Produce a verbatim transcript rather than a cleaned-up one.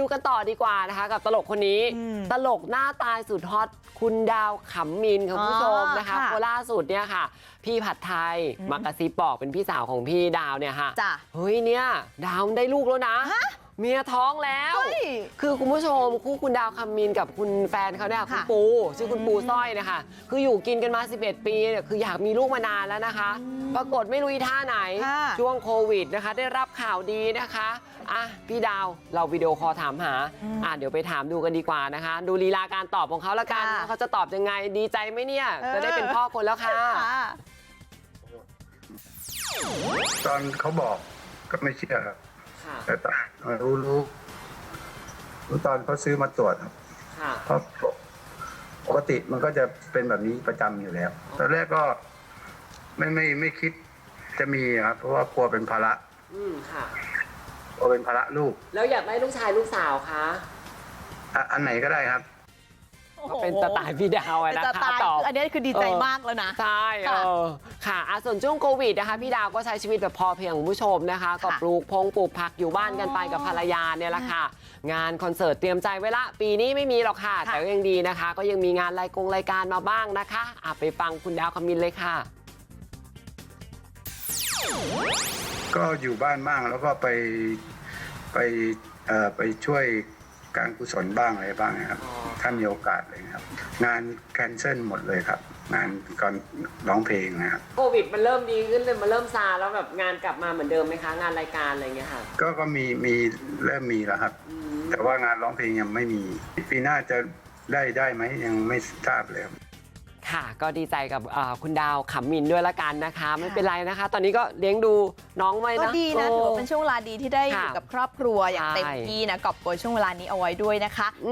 ดูกันต่อดีกว่านะคะกับตลกคนนี้ตลกหน้าตายสุดฮอตคุณดาวขำมินค่ะคุณผู้ชมนะคะโคล่าสุดเนี่ยค่ะพี่ผัดไทยมากระซิบบอกเป็นพี่สาวของพี่ดาวเนี่ยค่ะเฮ้ยเนี่ยดาวได้ลูกแล้วนะเมียท้องแล้วคือคุณผู้ชมคู่คุณดาวคำมินกับคุณแฟนเขาเนี่ยคุณปูชื่อคุณปูสร้อยนะคะคืออยู่กินกันมาสิบเอ็ดปีเนี่ยคืออยากมีลูกมานานแล้วนะคะปรากฏไม่รู้อีท่าไหนช่วงโควิดนะคะได้รับข่าวดีนะคะอ่ะพี่ดาวเราวิดีโอคอลถามหาอ่ะเดี๋ยวไปถามดูกันดีกว่านะคะดูลีลาการตอบของเขาละกันเขาจะตอบยังไงดีใจไหมเนี่ยจะได้เป็นพ่อคนแล้วค่ะตอนเขาบอกก็ไม่เชื่อครับแต่ตอนรู้รู้รู้ตอนเขาซื้อมาตรวจครับเพราะปกติมันก็จะเป็นแบบนี้ประจำอยู่แล้วตอนแรกก็ไม่ไม่ไม่คิดจะมีครับเพราะว่ากลัวเป็นภาระอืมค่ะกลัวเป็นภาระลูกแล้วอยากได้ลูกชายลูกสาวคะอันไหนก็ได้ครับก็เป็นสไตล์พี่ดาวนะคะตอบอันนี้คือดีใจมากแล้วนะใช่เออค่ะส่วนช่วงโควิดนะคะพี่ดาวก็ใช้ชีวิตแบบพอเพียงคุณผู้ชมนะคะก็ปลูกพงปลูกผักอยู่บ้านกันไปกับภรรยาเนี่ยแหละค่ะงานคอนเสิร์ตเตรียมใจไว้ละปีนี้ไม่มีหรอกค่ะแต่ก็ยังดีนะคะก็ยังมีงานรายกงรายการมาบ้างนะคะอ่ะไปฟังคุณดาวคำมินเลยค่ะก็อยู่บ้านบ้างแล้วก็ไปไปเอ่อไปช่วยการกุศลบ้างอะไรบ้างนะครับถ้ามีโอกาสเลยครับงานแคนเซิลหมดเลยครับงานก่อนร้องเพลงนะครับโควิดมันเริ่มดีขึ้นเลยมันเริ่มซาแล้วแบบงานกลับมาเหมือนเดิมไหมคะงานรายการอะไรเงี้ยค่ะก็ก็มีมีเริ่มมีแล้วครับแต่ว่างานร้องเพลงยังไม่มีปีหน้าจะได้ได้ไหมยังไม่ทราบเลยค่ะก็ดีใจกับคุณดาวขำมินด้วยละกันนะคะไม่เป็นไรนะคะตอนนี้ก็เลี้ยงดูน้องไว้นะก็ดีนะถือว่าเป็นช่วงเวลาดีที่ได้อยู่กับครอบครัวอย่างเต็มที่นะกอบโกยช่วงเวลานี้เอาไว้ด้วยนะคะ